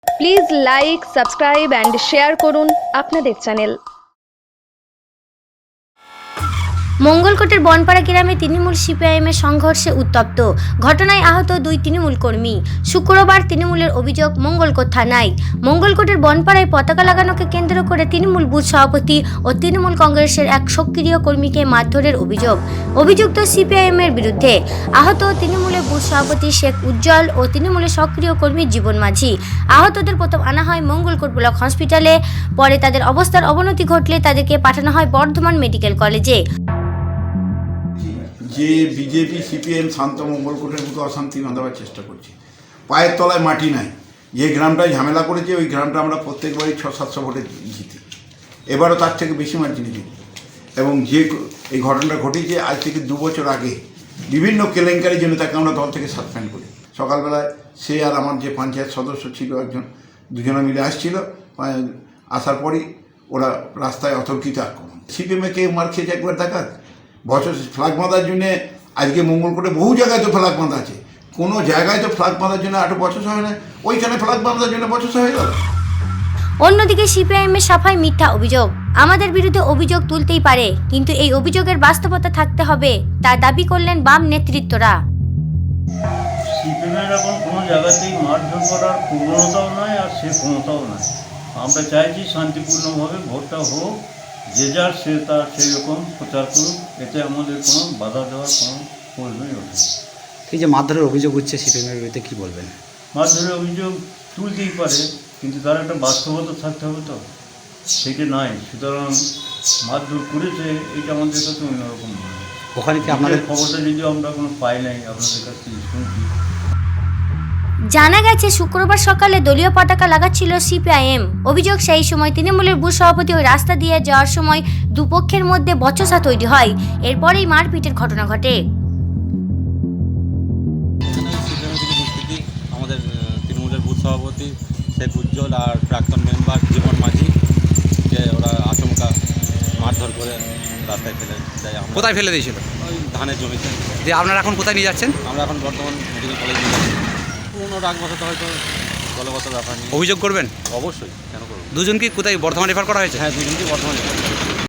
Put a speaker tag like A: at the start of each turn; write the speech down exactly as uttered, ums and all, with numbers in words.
A: Please like, subscribe and share করুন আপনাদের channel.
B: মঙ্গলকোটের Bonpara গ্রামে তৃণমূল সিপিআইএমের সংঘর্ষে উত্তপ্ত, ঘটনায় আহত দুই তৃণমূল কর্মী। শুক্রবার তৃণমূলের অভিযোগ মঙ্গলকোট থানায়। মঙ্গলকোটের বনপাড়ায় পতাকা লাগানোকে কেন্দ্র করে তৃণমূল বুথ সভাপতি ও তৃণমূল কংগ্রেসের এক সক্রিয় কর্মীকে মারধরের অভিযোগ অভিযুক্ত সিপিআইএমের বিরুদ্ধে। আহত তৃণমূলের বুথ সভাপতি শেখ উজ্জ্বল ও তৃণমূলের সক্রিয় কর্মী জীবন মাঝি। আহতদের প্রথম আনা হয় মঙ্গলকোট ব্লক হসপিটালে, পরে তাদের অবস্থার অবনতি ঘটলে তাদেরকে পাঠানো হয় বর্ধমান মেডিকেল কলেজে।
C: যে বিজেপি সিপিএম শান্ত মঙ্গলকোটের মতো অশান্তি বাঁধাবার চেষ্টা করছে, পায়ের তলায় মাটি নাই। যে গ্রামটায় ঝামেলা করেছে ওই গ্রামটা আমরা প্রত্যেকবারই ছ সাতশো ভোটে জিতি, এবারও তার থেকে বেশি মার্জিনে জিতি। এবং যে এই ঘটনাটা ঘটেছে আজ থেকে দু বছর আগে বিভিন্ন কেলেঙ্কারির জন্য তাকে আমরা দল থেকে সাসপেন্ড করি। সকালবেলায় সে আর আমার যে পঞ্চায়েত সদস্য ছিল একজন, দুজনে মিলে আসছিল, আসার পরই ওরা রাস্তায় অতর্কিত আক্রমণ। সিপিএমে কে মার খেয়েছে একবার দেখাক। বছর ফ্ল্যাগ বাঁধার জন্যে আজকে মঙ্গলকোটে বহু জায়গায় তো ফ্ল্যাগ বাঁধা আছে, কোনো জায়গায় তো ফ্ল্যাগ বাঁধার জন্য আট বছর হয় না, ওইখানে ফ্ল্যাগ বাঁধার জন্য বছর হয়ে গেল।
B: অন্যদিকে সিপিআইএমের সাফাই মিথ্যা অভিযোগ। আমাদের বিরুদ্ধে অভিযোগ তুলতেই পারে, কিন্তু এই অভিযোগের বাস্তবতা থাকতে হবে, তা দাবি করলেন বাম নেতৃত্বরা।
D: সিপিএমের এখন কোনো জায়গাতেই মারধর করার প্রবণতাও নয় আর সে ক্ষমতাও নয়। আমরা চাইছি শান্তিপূর্ণভাবে ভোটটা হোক, যে যার সে তার সেই রকম প্রচার করুক, এতে আমাদের কোনো বাধা দেওয়ার কোনো প্রয়োজনই ওঠে।
E: এই যে মারধরের অভিযোগ হচ্ছে সিপিএমের বিরুদ্ধে কী বলবেন?
D: মারধরের অভিযোগ তুলতেই পারে, কিন্তু তার একটা বাস্তবতা থাকতে হবে, তো সেটা নাই। সুতরাং মারধর করেছে এটা আমাদের কাছে অন্যরকম মনে হয়।
E: ওখানে কি আপনাদের
D: খবরটা যদিও আমরা কোনো পাই নাই, আপনাদের কাছ থেকে শুনছি।
B: জানা গেছে শুক্রবার সকালে দলীয় পতাকা লাগাচ্ছিল সিপিআইএম। অভিযোগ, সেই সময় তৃণমূলের বুথ সভাপতি ওই রাস্তা দিয়ে যাওয়ার সময় দুপক্ষের মধ্যে বচসা তৈরি হয়। এরপরেই মারপিটের ঘটনা ঘটে।
F: আমাদের তৃণমূলের বুথ সভাপতি শেখ উজ্জ্বল আর প্রাক্তন মেম্বার জীবন মাঝিকে ওরা আচমকা মারধর করে রাস্তায় ফেলে দেয়।
E: কোথায় ফেলে দিয়েছিল?
F: ওই ধানের জমিতে।
E: যে আপনারা এখন কোথায় নিয়ে যাচ্ছেন?
F: আমরা এখন বর্তমান মেডিকেল কলেজ নিয়ে যাচ্ছি। পুরোনো রাগ বসাতে হয়তো দলগত ব্যাপার নিয়ে
E: অভিযোগ করবেন?
F: অবশ্যই, কেন করবো।
E: দুজন কি কোথায় বর্ধমান রেফার করা হয়েছে?
F: হ্যাঁ, দুজনকেই বর্তমানে